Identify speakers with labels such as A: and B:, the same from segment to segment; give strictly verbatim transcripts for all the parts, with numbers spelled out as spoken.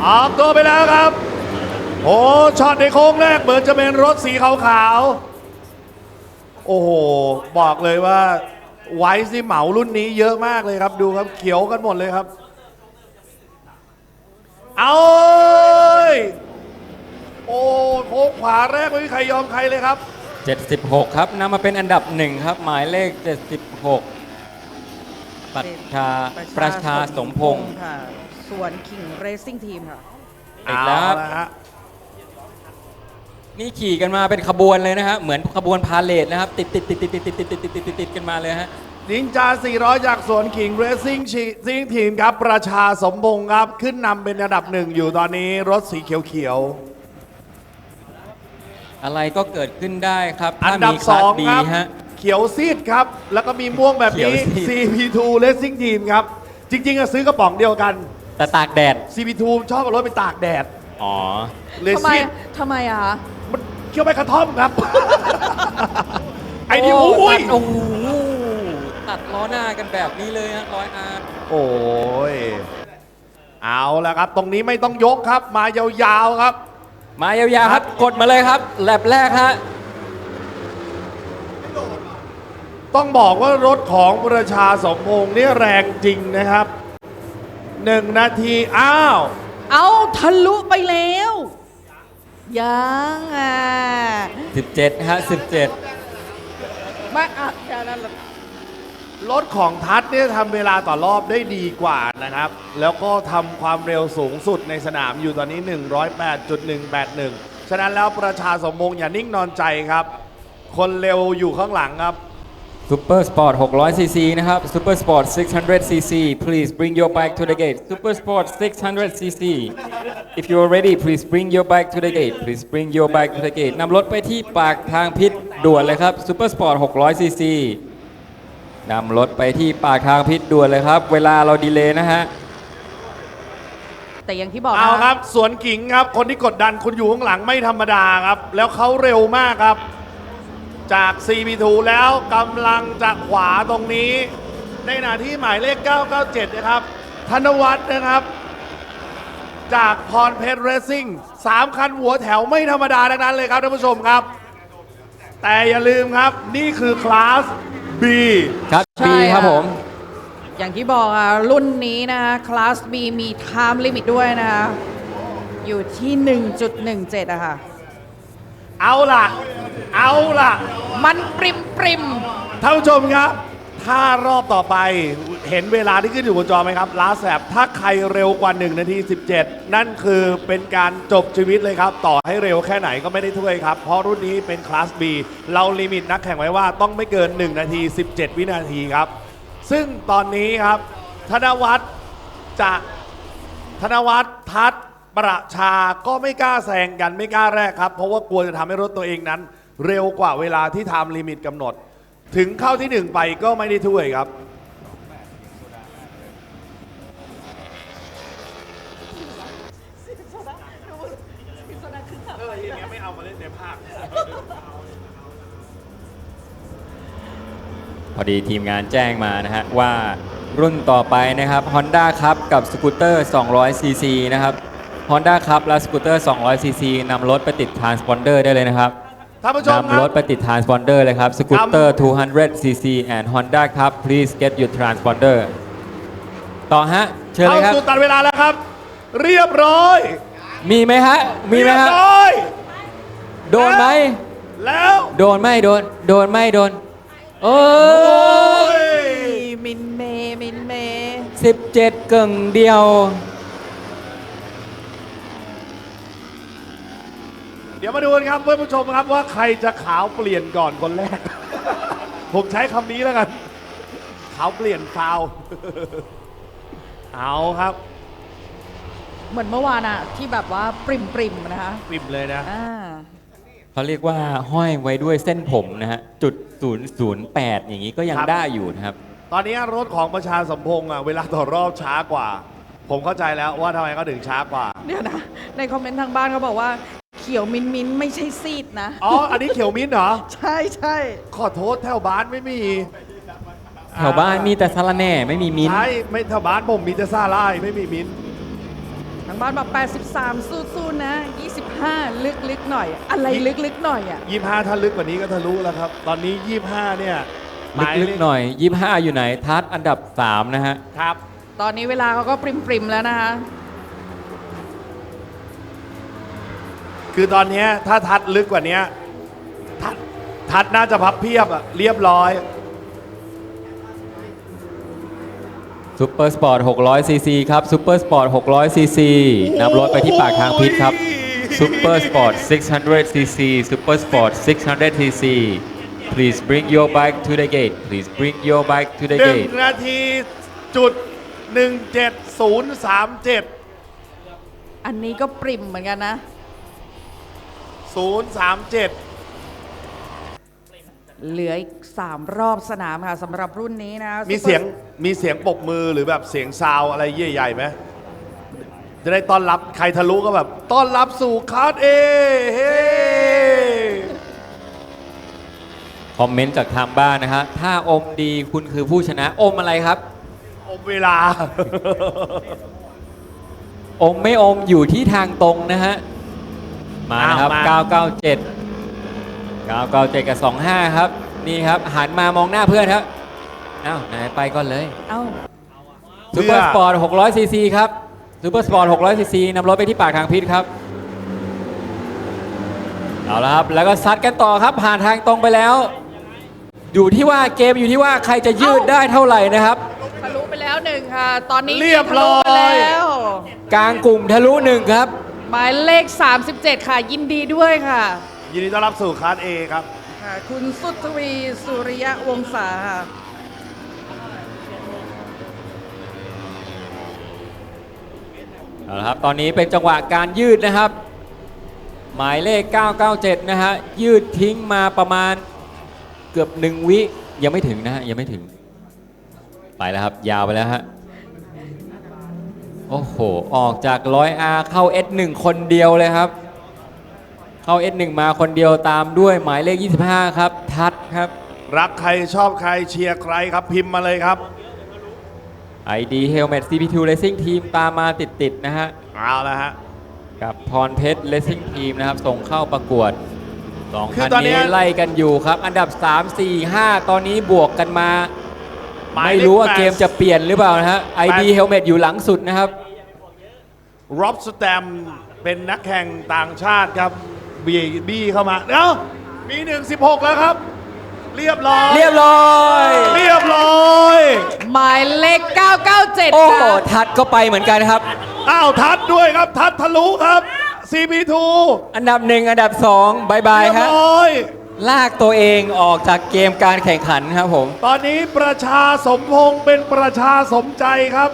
A: ออกตัวไปแล้วครับโอ้ช็อตในโค้งแรกเหมือนจะเป็นรถสีขาวๆโอ้โหบอกเลยว่าไวซ์ที่เหมารุ่นนี้เยอะมากเลยครับดูครับเขียวกันหมดเลยครับเอาโอ้โค้งขวาแรกไม่มีใครยอมใครเลยครับ
B: เจ็ดสิบหกครับนำมาเป็นอันดับหนึ่งครับหมายเลขเจ็ดสิบหกปรัชชาประชาสมพงศ์
C: ค่ะส่วนคิงเรซิ่งทีมค่ะ
B: อีกแล้วครับนี่ขี่กันมาเป็นขบวนเลยนะฮะเหมือนขบวนพาเลทนะครับติดติดติดติดติดติดติดติดติดติดติดกันมาเลยฮะ
A: นินจาสี่ร้อยจากสวนขิงเรซิ่งซิ่งทีมครับประชาสมพงศ์ครับขึ้นนำเป็นอันดับหนึ่งอยู่ตอนนี้รถสีเขียว
B: ๆอะไรก็เกิดขึ้นได้ครับ
A: อันดับสองครับ
B: ฮะ
A: เขียวซีดครับแล้วก็มีม่วงแบบนี้ ซี พี ทู Racing Team ครับจริงๆอะซื้อกระป๋องเดียวกัน
B: แต่ตากแดด
A: ซี พี ทู ชอบเอารถไปตากแดด
B: อ๋อ
A: เล
C: ทำไม
A: ซีด
C: ทำไมอะคะ
A: มันเคี้ยวไปกระท่อมครับ ไอ้นี่โอ้ย
B: โอ้โหตัดล้อหน้ากันแบบนี้เลยฮะร้อยอาร์
A: โอ้ยเอาละครับตรงนี้ไม่ต้องยกครับมายาวๆครับ
B: มายาวๆครับกดมาเลยครับแลบแรกฮะ
A: ต้องบอกว่ารถของประชาสมพงษ์นี่แรงจริงนะครับหนึ่งนาทีอ้าว
C: เอาทะลุไปแล้วยังอ่ะ
B: สิบเจ็ดฮะสิบเจ็ด
C: ไม่อ่ะแค่นั้นแหละ
A: รถของทัศน์เนี่ยทำเวลาต่อรอบได้ดีกว่านะครับแล้วก็ทำความเร็วสูงสุดในสนามอยู่ตอนนี้ หนึ่งร้อยแปดจุดหนึ่งแปดหนึ่ง ฉะนั้นแล้วประชาสมพงษ์อย่านิ่งนอนใจครับคนเร็วอยู่ข้างหลังครับ
B: ซูเปอร์สปอร์ตหกร้อยซีซีนะครับซูเปอร์สปอร์ตหกร้อยซีซี please bring your bike to the gate Super Sportหกร้อยซีซี if you are ready please bring your bike to the gate please bring your bike to the gate นำรถไปที่ปากทางพิษด่วนเลยครับซูเปอร์สปอร์ตหกร้อยซีซีนำรถไปที่ปากทางพิษด่วนเลยครับเวลาเราดีเลย์นะฮะ
C: แต่อย่างที่บอก
A: เอาครับสวนกิ่งครับคนที่กดดันคุณอยู่ข้างหลังไม่ธรรมดาครับแล้วเขาเร็วมากครับจาก ซี พี ทู แล้วกำลังจะขวาตรงนี้ในขณะที่หมายเลขเก้าเก้าเจ็ดนะครับธนวัฒน์นะครับจากพรเพชรเรซซิ่งสามคันหัวแถวไม่ธรรมดาดังนั้นเลยครับท่านผู้ชมครับแต่อย่าลืมครับนี่คือคลาส B
B: ครับ B ครับผม
C: อย่างที่บอกอ่ะรุ่นนี้นะคะคลาส B มี time limit ด้วยนะคะอยู่ที่ หนึ่งจุดหนึ่งเจ็ด อะค่ะ
A: เอาล่ะเอาล่ะ
C: มันปริมปริม
A: ท่านผู้ชมครับถ้ารอบต่อไปเห็นเวลาที่ขึ้นอยู่บนจอไหมครับลาแสบถ้าใครเร็วกว่าหนึ่งนาทีสิบเจ็ดนั่นคือเป็นการจบชีวิตเลยครับต่อให้เร็วแค่ไหนก็ไม่ได้ถ้วยครับเพราะรุ่นนี้เป็นคลาส B เราลิมิตนักแข่งไว้ว่าต้องไม่เกินหนึ่งนาทีสิบเจ็ดวินาทีครับซึ่งตอนนี้ครับธนวัฒน์จะธนวัฒน์ทัศน์ประชาก็ไม่กล้าแซงกันไม่กล้าแรกครับเพราะว่ากลัวจะทำให้รถตัวเองนั้นเร็วกว่าเวลาที่ไทม์ลิมิตกำหนดถึงเข้าที่หนึ่งไปก็ไม่ได้ถ้วยครับ
B: พอดีทีมงานแจ้งมานะฮะว่ารุ่นต่อไปนะครับ Honda ครับกับสกูตเตอร์สองร้อยซีซีนะครับ Honda ครับและสกูตเตอร์สองร้อยซีซีนำรถไปติดทรานสปอนเดอร์ได้เลยนะครับนำรถไปติดทรานสปอนเดอร์เลยครับสกูตเตอร์สองร้อยซีซี and Honda ครับ please get your transponder ต่อฮะเชิญเลยครับ
A: เข้าสู่ตัดเวลาแล้วครับเรียบร้อย
B: มีไหมฮะมีไหมฮะโดนไหม
A: แล้ว
B: โดนไม่โดนโดนไม่โดนโอ้
A: ย
C: มินเมมินเม
B: สิบเจ็ดเก่งเดียว
A: เดี๋ยวมาดูกันครับเพื่อนผู้ชมครับว่าใครจะขาวเปลี่ยนก่อนคนแรก ผมใช้คำนี้แล้วกันขาวเปลี่ยนฟาวเอาครับ
C: เหมือนเมื่อวานอะที่แบบว่าปริมปริมนะคะ
A: ปริมเลยนะ
B: เขาเรียกว่าห้อยไว้ด้วยเส้นผมนะฮะจุดศูนย์ศูนย์แปดอย่างนี้ก็ยังได้อยู่นะครับ
A: ตอนนี้รถของประชาสมพงษ์อ่ะเวลาต่อรอบช้ากว่าผมเข้าใจแล้วว่าทำไมเขาถึงช้ากว่า
C: เดี๋ยวนะในคอมเมนต์ทางบ้านเขาบอกว่าเขียวมินมินไม่ใช่ซีดนะ
A: อ๋ออันนี้เขียวมิ้นเหรอ
C: ใช่ใช่
A: ขอโทษแถวบ้านไม่มี
B: แถวบ้านมีแต่ซาลาแน่ไม่มีมิ้น
A: ใช่ไม่แถวบ้านผมมีแต่ซาลายไม่มีมิ้น
C: ทางบ้านบอกแปดสิบสามสู้ๆนะยี่สิบห้าลึกๆหน่อย อะไรลึกๆหน่อยอ่ะ
A: ยี่สิบห้าถ้าลึกกว่านี้ก็ทะลุแล้วครับ ตอนนี้ยี่สิบห้าเนี่ยหมาย
B: ลึกๆหน่อย ยี่สิบห้า อยู่ไหน ทัดอันดับ สาม นะฮะ
A: ครับ
C: ตอนนี้เวลาเขาก็ปริมๆแล้วนะคะ
A: คือตอนเนี้ยถ้าทัดลึกกว่านี้ทัดทัดน่าจะพับเพียบอะเรียบร้อย
B: ซูเปอร์สปอร์ต หกร้อย ซี ซี ครับซูเปอร์สปอร์ต หกร้อย ซี ซี นำรถไปที่ปากทางพิษครับซูเปอร์สปอร์ต หกร้อย ซี ซี ซูเปอร์สปอร์ต หกร้อย ซี ซี please bring your bike to the gate please bring your bike to the
A: หนึ่ง
B: gate
A: นาทีจุดหนึ่งเจ็ดศูนย์สามเจ็ด
C: อันนี้ก็ปริมเหมือนกันนะ
A: ศูนย์สามเจ็ด
C: เหลืออีกสามรอบสนามค่ะสำหรับรุ่นนี้นะ
A: มีเสียงมีเสียงปรบมือหรือแบบเสียงซาวอะไรใหญ่ๆไหมจะได้ต้อนรับใครทะลุก็แบบ ต้อนรับสู่คาร์ดเอเฮ้
B: คอมเมนต์จากทางบ้านนะฮะถ้าอมดีคุณคือผู้ชนะ อมอะไรครับ
A: อมเวลา
B: อมไม่อมอยู่ที่ทางตรงนะฮะ มานะครับ
A: อ้าวมา
B: เก้าเก้าเจ็ด เก้าเก้าเจ็ด กับ สองห้า ครับ นี่ครับ หันมามองหน้าเพื่อนครับอ้าวไหนไปก่อนเลย
C: เอ้า
B: ซูเปอร์สปอร์ต หกร้อย ซี ซี ครับซูเปอร์สปอร์ต หกร้อย ซี ซี นำรถไปที่ปากทางพิษครับ เอาละครับ แล้วก็ซัดกันต่อครับ ผ่านทางตรงไปแล้ว อยู่ที่ว่าเกมอยู่ที่ว่าใครจะยืดได้เท่าไหร่นะครับ
C: ทะลุไปแล้วหนึ่งค่ะ ตอนนี้
A: เรียบร้อย
C: ทะลุไปแล้ว
B: กลางกลุ่มทะลุหนึ่งครับ
C: หมายเลข สามสิบเจ็ด ค่ะ ยินดีด้วยค่ะ
A: ยินดีต้อนรับสู่คาร์ดเอครับ
C: ค่ะ คุณสุทวีสุริยะวงศาค่ะ
B: เอาละครับตอนนี้เป็นจังหวะการยืดนะครับ หมายเลข เก้าเก้าเจ็ด นะฮะ ยืดทิ้งมาประมาณเกือบหนึ่งวิยังไม่ถึงนะฮะ ยังไม่ถึง ไปแล้วครับ ยาวไปแล้วฮะ โอ้โห ออกจาก ร้อย อาร์ เข้า เอส หนึ่ง คนเดียวเลยครับ เข้า เอส หนึ่ง มาคนเดียวตามด้วยหมายเลข ยี่สิบห้า ครับ ทัดครับ
A: รักใครชอบใครเชียร์ใครครับพิมพ์มาเลยครับ
B: ไอ ดี Helmet ซี พี ทู Racing Team ตามมาติดๆนะฮะ
A: เอาละฮะ
B: กับพรเพชร Racing Team นะครับ ส่งเข้าประกวดสอง
A: คื
B: คั
A: อน ตอนเนี้
B: นี้
A: ย
B: ไล่กันอยู่ครับ อันดับ สาม สี่ ห้า ตอนนี้บวกกันมา
A: หมายเลข
B: ไม่รู้ว่า
A: แปด
B: เกมจะเปลี่ยนหรือเปล่านะฮะ ไอ ดี
A: แปด
B: Helmet อยู่หลังสุดนะครับ
A: ร็อบสแตมเป็นนักแข่งต่างชาติครับบีบี้เข้ามาเอ้ามีหนึ่งสิบหกแล้วครับ เรียบร้อย
B: เรียบร้อย
A: เรียบร้อย
C: หมายเลข เก้าเก้าเจ็ด
B: โอ้โห
C: ค่ะ
B: ทัดก็ไปเหมือนกันครับ
A: อ้าวทัดด้วยครับ ทัดทะลุครับ ซี พี ทู
B: อันดับหนึ่งอันดับสองบายบาย
A: เรียบ
B: ครับ
A: ร้อย
B: ลากตัวเองออกจากเกมการแข่งขันครับผม
A: ตอนนี้ประชาสมพงษ์เป็นประชาสมใจครับ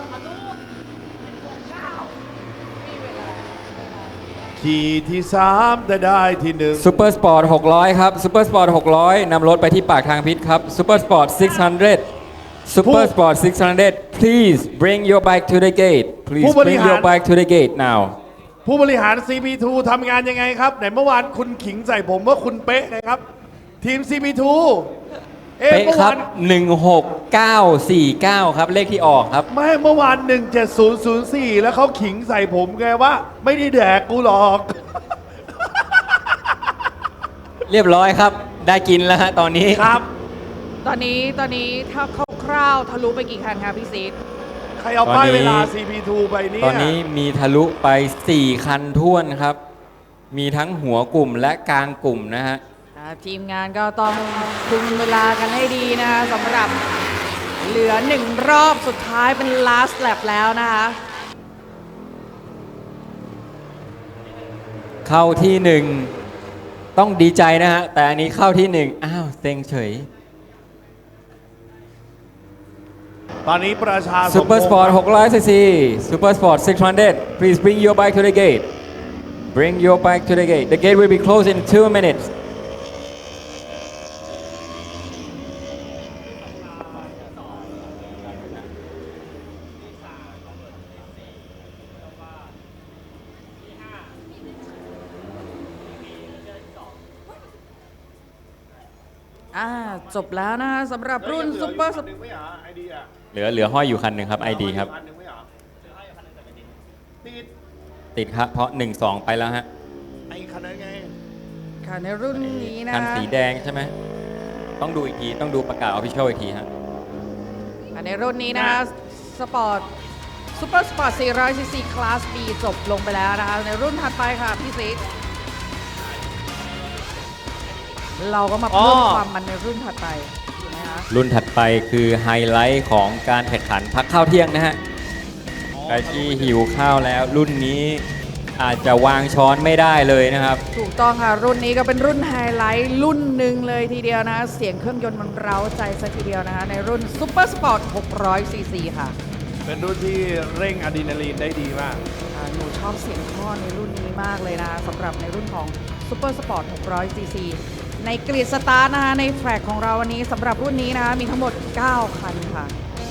A: ขี่ที่สามแต่ได้ที่หนึ่ง
B: ซูเปอร์สปอร์ต หกร้อย ครับซูเปอร์สปอร์ต หกร้อย นำรถไปที่ปากทางพิษครับซูเปอร์สปอร์ต หกร้อย ซูเปอร์สปอร์ต หกร้อย please bring your bike to the gate please
A: ผู้บริ
B: bring
A: หาร
B: your bike to the gate now
A: ผู้บริหาร ซี พี ทู ทำงานยังไงครับไหนเมื่อวานคุณขิงใส่ผมว่าคุณเป๊ะนะครับ ทีม ซี พี ทู เอ๊ะ
B: เป๊ะ
A: เมื่อ
B: ครั
A: วา
B: บ
A: น
B: หนึ่งหกเก้าสี่เก้า ครับเลขที่ออกครับ
A: ไม่เมื่อวาน หนึ่งเจ็ดศูนย์ศูนย์สี่ แล้วเขาขิงใส่ผมไงว่า ไม่ได้แดกกูหรอก
B: เรียบร้อยครับ ได้กินแล้วฮะตอนนี้
A: ครับ
C: ตอนนี้ตอนนี้ถ้าคร่าวๆทะลุไปกี่คันคะพี่ซีด
A: ใครเอาป้ายเวลา ซี พี ทู ไปเนี่ย
B: ตอนนี้มีทะลุไป สี่ คันท้วนครับ มีทั้งหัวกลุ่มและกลางกลุ่มนะฮะ
C: อ่าทีมงานก็ต้องคุมเวลากันให้ดีนะคะสำหรับเหลือหนึ่งรอบสุดท้ายเป็น last lap แล้วนะคะ
B: เข้าที่หนึ่งต้องดีใจนะฮะ แต่อันนี้เข้าที่หนึ่งอ้าวเซ็งเฉย
A: ตอนนี้ประชา
B: ซูเปอร์สปอร์ต หกร้อย ซี ซี ซูเปอร์สปอร์ต หกร้อย please bring your bike to the gate bring your bike to the gate the gate will be closed in two minutes
C: อ่าจบแล้วนะคะสำหรับรุ่นซุปเปอร์ส
B: เหลือเหลือห้อยอยู่คันหนึ่งครับ ไอ ดี ครับ
A: ติด
B: ติดครับเพราะ หนึ่งสอง ไปแล้วฮะ
A: ไอ้คันนั้นไง
C: ค่ะในรุ่นนี้นะ
B: คันสีแดงใช่ไหมต้องดูอีกทีต้องดูประกาศออฟฟิเชียลอีกทีฮะ
C: ค่ะในรุ่นนี้นะคะสปอร์ตซูเปอร์สปอร์ต สี่ร้อย ซี ซี คลาส B จบลงไปแล้วนะคะ ในรุ่นถัดไปค่ะพี่ซิกเราก็มาเพิ่ม
A: อ๋อ
C: ความมันในรุ่นถัดไปถูกไหมคะ
B: รุ่นถัดไปคือไฮไลท์ของการแข่งขันพักข้าวเที่ยงนะฮะใครที่หิวข้าวแล้วรุ่นนี้อาจจะวางช้อนไม่ได้เลยนะครับ
C: ถูกต้องค่ะ รุ่นนี้ก็เป็นรุ่นไฮไลท์รุ่นหนึ่งเลยทีเดียวนะคะเสียงเครื่องยนต์มันเร้าใจซะทีเดียวนะคะในรุ่นซูเปอร์สปอร์ต หกร้อย ซี ซี ค่ะ
A: เป็นรุ่นที่เร่งอะดรีนาลีนได้ดีมาก
C: อ่าหนูชอบเสียงท่อในรุ่นนี้มากเลยนะคะสำหรับในรุ่นของ Super Sport หกร้อย ซี ซี ในกรีดสตาร์ทนะคะในแทร็กของเราวันนี้สำหรับรุ่นนี้นะคะมีทั้งหมด เก้า คันค่ะ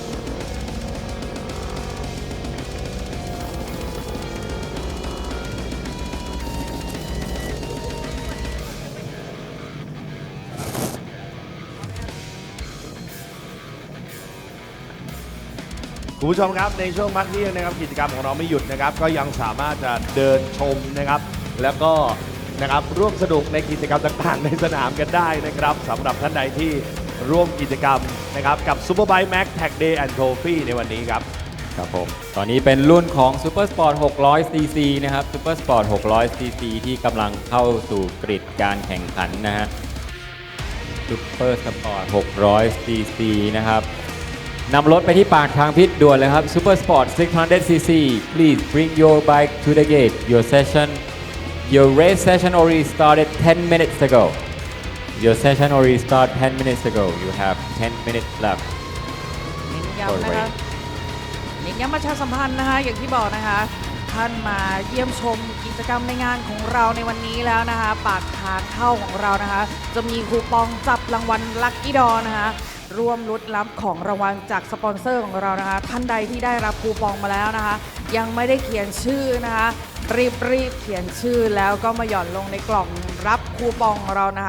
A: คุณผู้ชมครับในช่วงพักเที่ยงนะครับกิจกรรมของเราไม่หยุดนะครับก็ยังสามารถจะเดินชมนะครับ แล้วก็นะครับร่วมสนุกในกิจกรรมต่างๆ ในสนามกันได้นะครับสำหรับท่านใดที่ร่วมกิจกรรมนะครับกับ Superbike Max Tag Day and Trophy ในวันนี้ครับ
B: ครับผม ตอนนี้เป็นรุ่นของ Super Sport หกร้อย ซี ซี นะครับ Super Sport หกร้อย ซี ซี ที่กำลังเข้าสู่กริดการแข่งขันนะฮะ Super Sport หกร้อย ซี ซี นะครับนำรถไปที่ปากทางพิษด่วนเลยครับ Super Sport หกร้อย ซี ซี please bring your bike to the gate your session your race session already started ten minutes ago your session already started ten minutes ago you have ten minutes left
C: เน้นย้ำนะคะเน้นย้ำประชาสัมพันธ์นะคะอย่างที่บอกนะคะท่านมาเยี่ยมชมกิจกรรมในงานของเราในวันนี้แล้วนะคะปากทางเข้าของเรานะคะจะมีคูปองจับรางวัลลัคกี้ดอนะคะร่วมลุ้นรับของรางวัลจากสปอนเซอร์ของเรานะคะท่านใดที่ได้รับคูปองมาแล้วนะคะยังไม่ได้เขียนชื่อนะคะรีบรีบเขียนชื่อแล้วก็มาหย่อนลงในกล่องรับคูปองของเรานะคะ